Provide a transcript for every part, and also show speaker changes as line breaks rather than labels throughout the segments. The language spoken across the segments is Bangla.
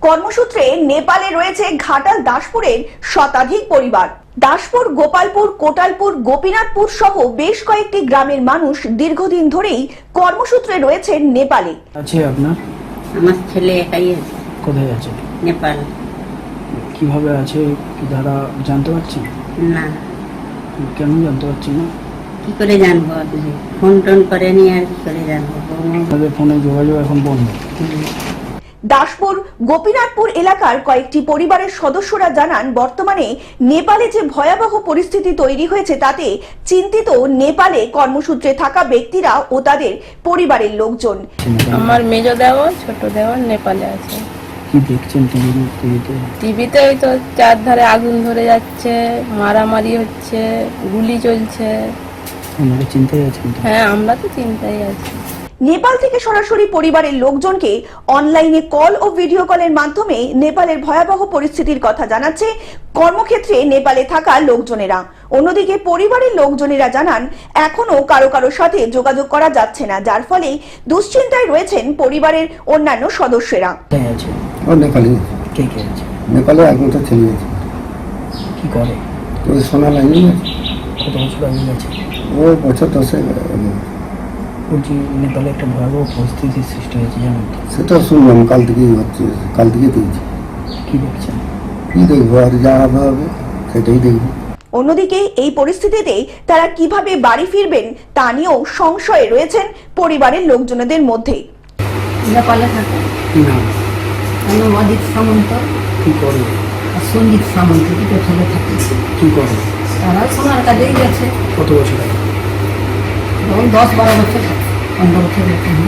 কর্মসূত্রে নেপালে রয়েছে ঘাটাল দাসপুরের শতাধিক পরিবার। দাসপুর, গোপালপুর, কোটালপুর, গোপীনাথপুর সহ বেশ কয়েকটি গ্রামের মানুষ দীর্ঘদিন ধরেই কর্মসূত্রে রয়েছেন নেপালে।
আছে আপনার?
আমার ছেলে একাই আছে।
কোথায় আছে?
নেপাল।
কিভাবে আছে কি ধারা জানতে পারছেন?
না।
কেন জানতে পারছি না?
কি করে জানবো? আপনি ফোন টোন করেনি, আর কি করে জানবো?
তাদের ফোনে যোগাযোগ এখন বন্ধ।
দাসপুর, গোপীনাথপুর এলাকার কয়েকটি পরিবারের সদস্যরা জানান, বর্তমানে নেপালে যে ভয়াবহ পরিস্থিতি তৈরি হয়েছে তাতে চিন্তিত নেপালে কর্মসূত্রে থাকা ব্যক্তিরা ও তাদের পরিবারের লোকজন।
আমার মেজো দেওর, ছোট দেওর নেপালে আছে।
কি দেখছেন টিভিতে?
টিভিতে ওই তো চারধারে আগুন ধরে যাচ্ছে, মারামারি হচ্ছে, গুলি চলছে।
আপনারা চিন্তায় আছেন?
হ্যাঁ, আমরা তো চিন্তায় আছি।
নেপাল থেকে সরাসরি পরিবারের লোকজনকে অনলাইনে কল ও ভিডিও কলের মাধ্যমে নেপালের ভয়াবহ পরিস্থিতির কথা জানাচ্ছে কর্মক্ষেত্রে নেপালে থাকা লোকজনেরা। অন্যদিকে পরিবারের লোকজনেরা জানান, এখনো কারো সাথে যোগাযোগ করা যাচ্ছে না, যার ফলে দুশ্চিন্তায় রয়েছেন পরিবারের অন্যান্য সদস্যরা।
নেপালে কে কে আছে?
নেপালে একমাত্র ছেলে আছে।
কি করে?
ওই সোনা লাইনে
কত বছর আগে গেছে?
ও বছর 10
বলছি নেপালে একটা ভয়াবহ পরিস্থিতির সৃষ্টি হয়েছে, জানেন তো?
সেটা শুনলাম, কাল থেকেই হচ্ছে, কাল থেকে দেখছি।
কি দেখছেন?
কি দেখবো, আর যা হবে সেটাই দেখবো।
অন্যদিকে এই পরিস্থিতিতে তারা কিভাবে বাড়ি ফিরবেন তা নিয়েও সংশয়ে রয়েছেন পরিবারের লোকজনদের মধ্যে।
নেপালে থাকে।
কি নাম?
অজিত সামন্ত
কি করে?
আর সঞ্জিত সামন্ত, দুটো ছেলে থাকে।
কি করে?
তারা সোনার কাজেই গেছে।
কত বছর আগে?
10-12 বছর, 15 বছর।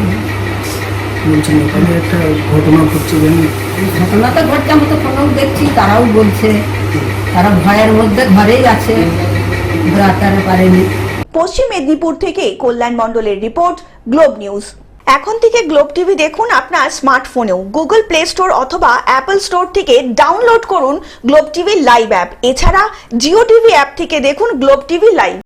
বলছেন নেপালে একটা ঘটনা ঘটছে, জানেন?
ঘটনা তো ঘটছে, আমি তো ফোনেও দেখছি, তারাও বলছে তারা ভয়ের মধ্যে ঘরেই আছে, বেরোতে পারেনি।
পশ্চিম মেদিনীপুর থেকে কল্যাণ মণ্ডলের রিপোর্ট, গ্লোব নিউজ। এখন থেকে গ্লোব টিভি দেখুন আপনার স্মার্টফোনেও। গুগল প্লে স্টোর অথবা অ্যাপল স্টোর থেকে ডাউনলোড করুন গ্লোব টিভি লাইভ অ্যাপ। এছাড়া জিও টিভি অ্যাপ থেকে দেখুন গ্লোব টিভি লাইভ।